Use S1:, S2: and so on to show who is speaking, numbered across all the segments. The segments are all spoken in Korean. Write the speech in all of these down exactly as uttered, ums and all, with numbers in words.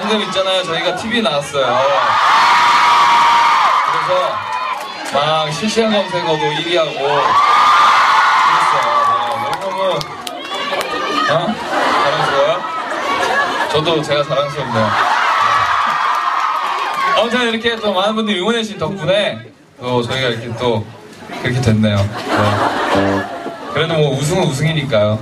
S1: 방금 있잖아요. 저희가 티비에 나왔어요. 그래서 막 실시간 검색어도 일 위하고 그랬어요. 네, 너무너무 어? 자랑스러워요? 저도 제가 자랑스럽네요. 아무튼 이렇게 또 많은 분들이 응원해주신 덕분에 또 저희가 이렇게 또 그렇게 됐네요. 네. 그래도 뭐 우승은 우승이니까요.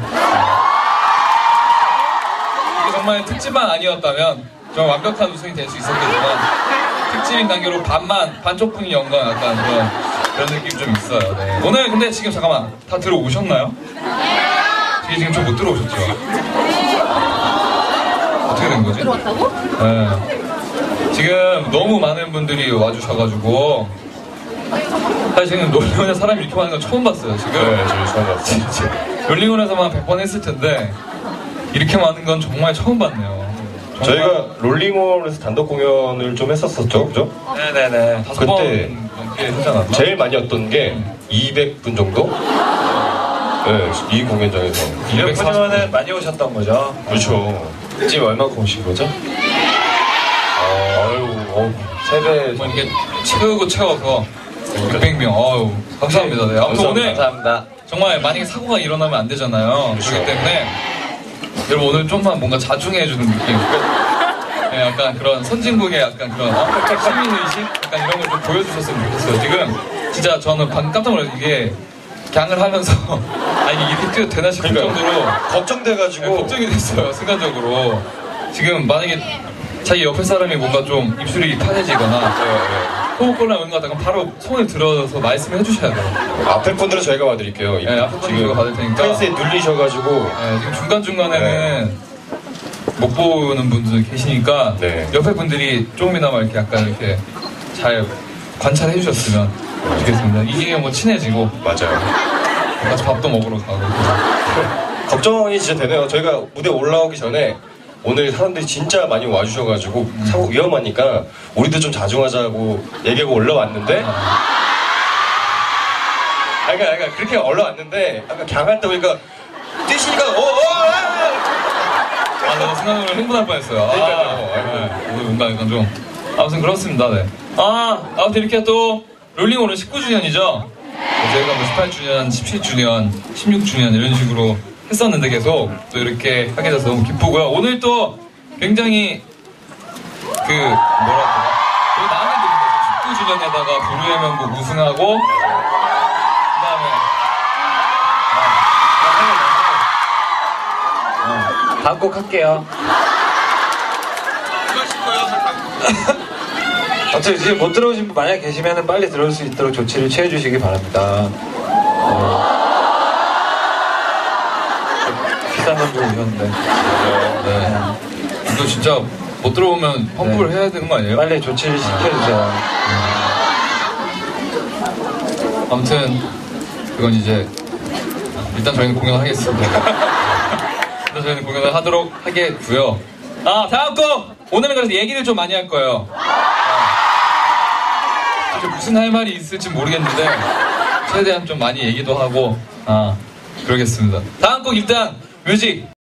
S1: 이게 정말 특집만 아니었다면 좀 완벽한 우승이 될 수 있었겠지만 특집인 관계로 반만, 반쪽뿐인 영광 약간 그런, 그런 느낌이 좀 있어요. 네. 오늘 근데 지금 잠깐만 다 들어오셨나요? 저희 지금 좀 못 들어오셨죠? 어떻게 된 거지?
S2: 들어왔다고?
S1: 네. 지금 너무 많은 분들이 와주셔가지고 사실 지금 롤링원에 사람이 이렇게 많은 건 처음 봤어요. 지금.
S3: 네, 저희 처음 봤어요.
S1: 롤링원에서만 백 번 했을 텐데 이렇게 많은 건 정말 처음 봤네요. 정말...
S3: 저희가 롤링원에서 단독 공연을 좀 했었었죠, 그죠?
S1: 네네네. 다섯 번
S3: 그때
S1: 넘게 했잖아요.
S3: 제일 많이 왔던 게 이백 분 정도? 네, 이 공연장에서.
S4: 이백 분이면은 많이 오셨던 거죠?
S3: 그렇죠.
S4: 지금 얼마큼 오신 거죠?
S3: 아, 아유, 어,
S4: 세배
S1: 뭐 이렇게 채우고 채워서 육백 명. 아유, 감사합니다. 네. 아무튼 오늘
S4: 감사합니다.
S1: 정말 만약에 사고가 일어나면 안 되잖아요.
S3: 그렇죠.
S1: 그렇기 때문에 여러분 오늘 좀만 뭔가 자중해주는 느낌. 네, 약간 그런 선진국의 약간 그런 어? 시민의식? 약간 이런 걸 좀 보여주셨으면 좋겠어요. 지금 진짜 저는 방금 깜짝 놀랐어요. 이게 갱을 하면서 아 이게 이렇게 뛰어도 되나 싶을
S3: 그러니까,
S1: 정도로
S3: 걱정돼가지고.
S1: 네, 걱정이 됐어요. 순간적으로. 지금 만약에 자기 옆에 사람이 뭔가 좀 입술이 타해지거나
S3: 네, 네.
S1: 호흡곤란 오는 것 같다면 바로 손을 들어서 말씀을 해주셔야 돼요.
S3: 앞에 분들은 저희가 봐드릴게요.
S1: 네, 앞에 분들은 저희가 받을 테니까.
S3: 펜스에 눌리셔가지고.
S1: 네, 지금 중간중간에는 못 보는 분들 계시니까
S3: 네.
S1: 옆에 분들이 조금이나마 이렇게 약간 이렇게 잘 관찰해 주셨으면 좋겠습니다. 이게 뭐 친해지고
S3: 맞아요.
S1: 같이 밥도 먹으러 가고.
S3: 걱정이 진짜 되네요. 저희가 무대 올라오기 전에 오늘 사람들이 진짜 많이 와주셔가지고
S1: 음.
S3: 사고 위험하니까 우리도 좀 자중하자고 얘기하고 올라왔는데 아, 그러니까, 그러니까 그렇게 올라왔는데 아까 갱할 때 보니까 뛰시니까 어, 어,
S1: 아, 나 순간적으로 흥분할 뻔했어요. 아,
S3: 그러니까요.
S1: 네. 오늘 뭔가 약간 좀 아무튼 그렇습니다. 네. 아, 아무튼 이렇게 또 롤링 오늘 십구 주년이죠. 저희가 뭐 십팔 주년, 십칠 주년, 십육 주년 이런 식으로 했었는데 계속 또 이렇게 하게 돼서 너무 기쁘고요. 오늘 또 굉장히 그 뭐랄까 되게 마음에 드는 거죠. 십구 주년에다가 불후의 명곡 우승하고 그다음에
S4: 다음 곡 할게요. 아무튼 지금 못 들어오신 분 만약 계시면 빨리 들어올 수 있도록 조치를 취해주시기 바랍니다. 어... 비싼 돈 주고 오셨는데.
S1: 네. 이거 진짜 못 들어오면 환불을
S4: 네.
S1: 해야 되는 거 아니에요?
S4: 빨리 조치를 시켜주세요.
S1: 아무튼 그건 이제 일단 저희는 공연하겠습니다. 일단 저희는 공연을 하도록 하겠고요. 아 다음 곡! 오늘은 그래서 얘기를 좀 많이 할 거예요. 아, 무슨 할 말이 있을지 모르겠는데 최대한 좀 많이 얘기도 하고 아 그러겠습니다. 다음 곡 일단 뮤직